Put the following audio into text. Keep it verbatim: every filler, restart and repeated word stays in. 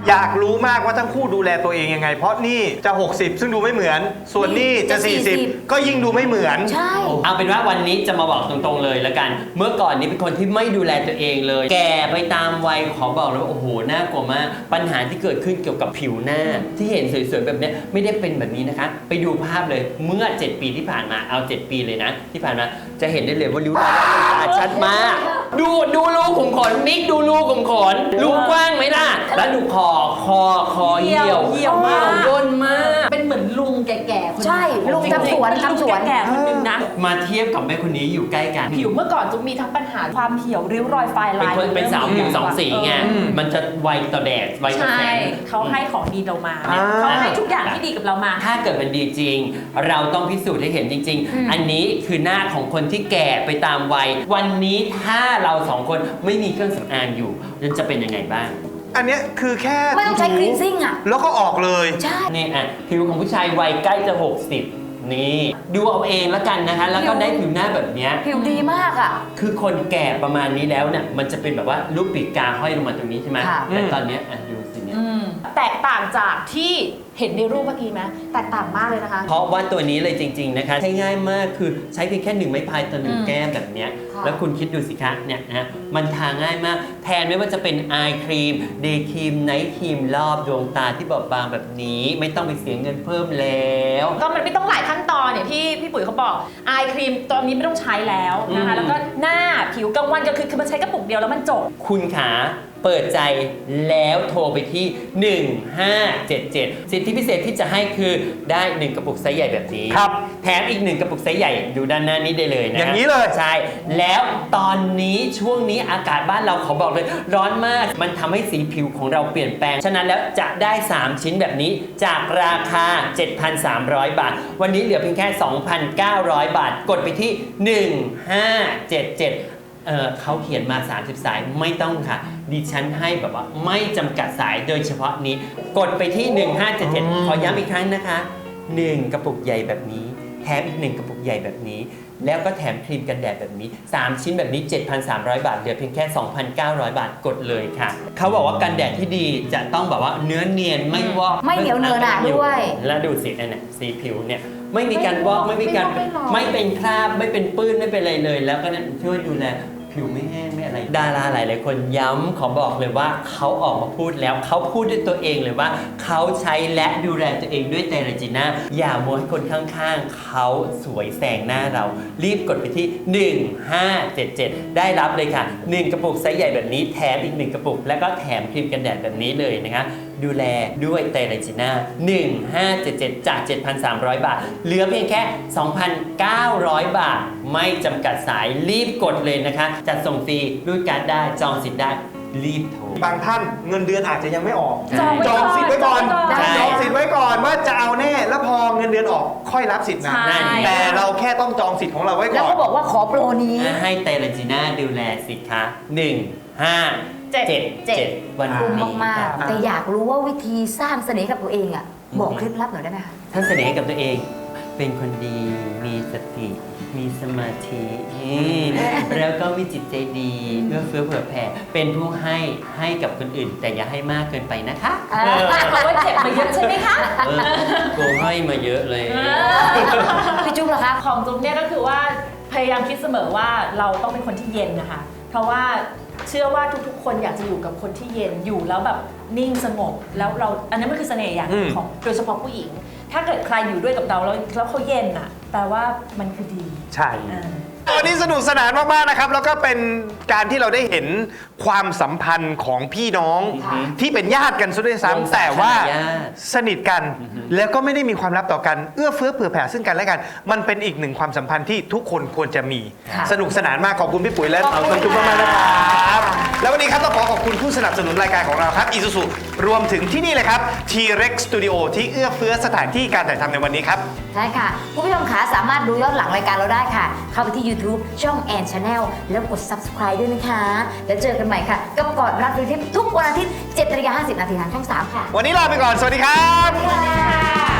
อยากรู้มากว่าทั้งคู่ดูแลตัวเองยังไงเพราะนี่จะหกสิบซึ่งดูไม่เหมือนส่วนนี่จะสี่สิบก็ยิ่งดูไม่เหมือนใช่เอาเป็นว่าวันนี้จะมาบอกตรงๆเลยละกันเมื่อก่อนนี้เป็นคนที่ไม่ดูแลตัวเองเลยแก่ไปตามวัยขอบอกเลยว่าโอ้โหน่ากลัวมากปัญหาที่เกิดขึ้นเกี่ยวกับผิวหน้าที่เห็นสวยๆแบบนี้ไม่ได้เป็นแบบนี้นะคะไปดูภาพเลยเมื่อเจ็ดปีที่ผ่านมาเอาเจ็ดปีเลยนะที่ผ่านมาจะเห็นได้เลยว่าริ้วรอยตาชัดมากดูดูรูขุมขนมิกดูรูขุมขนรูกว้างไหมล่ะแล้วดูคอคอคอเหี่ยวเหี่ยวมากย่นมากเป็นเหมือนลุงแก่ๆคนใช่ลุงทำสวนทำสวนแก่ๆคนนึงนะมาเทียบกับแม่คนนี้อยู่ใกล้กันผิวเมื่อก่อนจะมีทั้งปัญหาความเหี่ยวริ้วรอยไฟเป็นลายคนเป็นสาวผิวสองสีไงมันจะไวต่อแดดไวต่อใช่แสงเขาให้ของดีเรามาอ่าเขาให้ทุกอย่างที่ดีกับเรามาถ้าเกิดมันดีจริง เราต้องพิสูจน์ให้เห็นจริง ๆ อันนี้คือหน้าของคนที่แก่ไปตามวัยวันนี้ถ้าเราสองคนไม่มีเครื่องสำอางอยู่มันจะเป็นยังไงบ้างอันเนี้ยคือแค่ไม่ต้องใช้คลีนซิ่งอ่ะแล้วก็ออกเลยใช่นี่อ่ะผิวของผู้ชายวัยใกล้จะหกสิบนี่ดูเอาเองแล้วกันนะคะแล้วก็ได้ผิวหน้าแบบเนี้ยผิวดีมากอ่ะคือคนแก่ประมาณนี้แล้วเนี่ยมันจะเป็นแบบว่าลูกปีกกาห้อยลงมาตรงนี้ใช่ไหมค่ะแต่ตอนเนี้ยอ่ะดูสิเนี่ยอืมแตกต่างจากที่เห็นในรูปเมื่อกี้ไหมแตกต่างมากเลยนะคะเพราะว่าตัวนี้เลยจริงๆนะคะใช้ง่ายมากคือใช้เพียงแค่หนึ่งไม้พายต่อหนึ่งอืมแก้มแบบเนี้ยค่ะแล้วคุณคิดดูสิคะเนี่ยนะมันทาง่ายมากแทนไม่ว่าจะเป็นไอครีมเดย์ครีมไนท์ครีมรอบดวงตาที่บอบบางแบบนี้ไม่ต้องไปเสียเงินเพิ่มแล้วก็มันไม่ต้องหลายขั้นตอนเนี่ยที่พี่ปุ๋ยเขาบอกไอครีมตอนนี้ไม่ต้องใช้แล้วนะคะอืมแล้วก็หน้าผิวกลางวันก็คือคือมันใช้กระปุกเดียวแล้วมันจบคุณขาเปิดใจแล้วโทรไปที่หนึ่งห้าเจ็ดเจ็ดสิทธิพิเศษที่จะให้คือได้หนึ่งกระปุกไซส์ใหญ่แบบนี้ครับแถมอีกหนึ่งกระปุกไซส์ใหญ่ดูด้านหน้านี้ได้เลยนะอย่างนี้เลยใช่แล้วตอนนี้ช่วงนี้อากาศบ้านเราขอบอกเลยร้อนมากมันทำให้สีผิวของเราเปลี่ยนแปลงฉะนั้นแล้วจะได้สามชิ้นแบบนี้จากราคา เจ็ดพันสามร้อย บาทวันนี้เหลือเพียงแค่ สองพันเก้าร้อย บาทกดไปที่หนึ่งห้าเจ็ดเจ็ดเอ่อเขาเขียนมาสามสิบสายไม่ต้องค่ะดิฉันให้แบบว่าไม่จำกัดสายโดยเฉพาะนี้กดไปที่หนึ่งห้าเจ็ดเจ็ดขอย้ำอีกครั้งนะคะหนึ่งกระปุกใหญ่แบบนี้แถมอีกหนึ่งกระปุกใหญ่แบบนี้แล้วก็แถมครีมกันแดดแบบนี้สามชิ้นแบบนี้ เจ็ดพันสามร้อย บาทเหลือเพียงแค่ สองพันเก้าร้อย บาทกดเลยค่ะเขาบอกว่ากันแดดที่ดีจะต้องแบบว่าเนื้อเนียนไม่วอกไม่เหนียวเนอะหนะด้วยแล้วดูสิเนี่ยสีผิวเนี่ยไม่มีการวอกไม่มีการไม่วอกไม่เป็นคราบไม่เป็นปื้นไม่เป็นอะไรเลย แล้วก็เนี่ยช่วยดูแลผิวไม่แห้งไม่อะไรดาราหลายๆคนย้ำขอบอกเลยว่าเขาออกมาพูดแล้วเขาพูดด้วยตัวเองเลยว่าเขาใช้และดูแลตัวเองด้วยเตรจิน่าอย่ามัวให้คนข้างๆเขาสวยแซงหน้าเรารีบกดไปที่หนึ่งห้าเจ็ดเจ็ดได้รับเลยค่ะหนึ่งกระปุกไซส์ใหญ่แบบนี้แถมอีกหนึ่งกระปุกแล้วก็แถมครีมกันแดดแบบนี้เลยนะคะดูแลด้วยเตรจิน่าหนึ่งห้าเจ็ดเจ็ดจาก เจ็ดพันสามร้อย บาทเหลือเพียงแค่ สองพันเก้าร้อย บาทไม่จำกัดสายรีบกดเลยนะคะจัดส่งฟรีรูดการ์ดได้จองสิทธิ์ได้รีบโทรบางท่านเงินเดือนอาจจะยังไม่ออกจองไว้จองสิทธิ์ไว้ก่อนจองไว้ก่อนจองสิทธิ์ไว้ก่อนว่าจะเอาแน่แล้วพอเงินเดือนออกค่อยรับสิทธิ์นะใช่แต่เราแค่ต้องจองสิทธิ์ของเราไว้แล้วก่อนก็บอกว่าขอโปรนี้ให้เตรจิน่าดูแลสิคะหนึ่งห้าเจ็ดเจ็ดเจ็ดเจ็ดวันคุ้มนี้มากค่ะๆแต่อยากรู้ว่าวิธีสร้างเสน่ห์กับตัวเองอ่ะบอกเคล็ดลับหน่อยได้ไหมคะท่านเสนห์กับตัวเองเป็นคนดีมีสติมีสมาธิแล้วก็มีจิตใจดีเอื้อเฟื้อเผื่อแผ่เป็นผู้ให้ให้กับคนอื่น แต่อย่าให้มากเกินไปนะคะอ่าเพราะว่าเจ็บมาเยอะใช่ไหมคะเออโกให้มาเยอะเลยพี่จุ๊บล่ะคะของจุ๊บเนี่ยก็คือว่าพยายามคิดเสมอว่าเราต้องเป็นคนที่เย็นนะคะ เพราะว่าเชื่อว่าทุกๆ คนอยากจะอยู่กับคนที่เย็นอยู่แล้วแบบนิ่งสงบแล้วเราอันนั้นมันคือเสน่ห์อย่างหนึ่งอืมของโดยเฉพาะผู้หญิง ถ้าเกิดใครอยู่ด้วยกับเราแล้วแล้วเขาเย็นอ่ะแปลว่ามันคือดีใช่อ่าวันนี้สนุกสนานมากๆนะครับแล้วก็เป็นการที่เราได้เห็นความสัมพันธ์ของพี่น้องค่ะที่เป็นญาติกันซะด้วยวงซ้ำแต่ว่าญาติสนิทกัน แล้วก็ไม่ได้มีความลับต่อกันเอื้อเฟื้อเผื่อแผ่ซึ่งกันและกัน มันเป็นอีกหนึ่งความสัมพันธ์ที่ทุกคนควรจะมีค่ะสนุกสนานมากขอบคุณพี่ปุ๋ยและขอบคุณน้องจุ๊บมากๆนะครับแล้ววันนี้ครับต้องขอขอบคุณผู้สนับสนุนรายการของเราครับ Isuzu รวมถึงที่นี่เลยครับ T-Rex Studio ที่เอื้อเฟื้อสถานที่การถ่ายทำในวันนี้ครับใช่ค่ะคุณผู้ชมขาสามารถดูย้อนหลังรายการเราได้ค่ะ เข้าไปที่ YouTube ช่อง แอน Channel แล้วกด Subscribe ด้วยนะคะ แล้วเจอกันใหม่ค่ะกับกอดรัดดูทิปทุกวันอาทิตย์ เจ็ดนาฬิกาห้าสิบนาทีทางช่อง สาม ค่ะวันนี้ลาไปก่อนสวัสดีครับสวัสดีค่ะ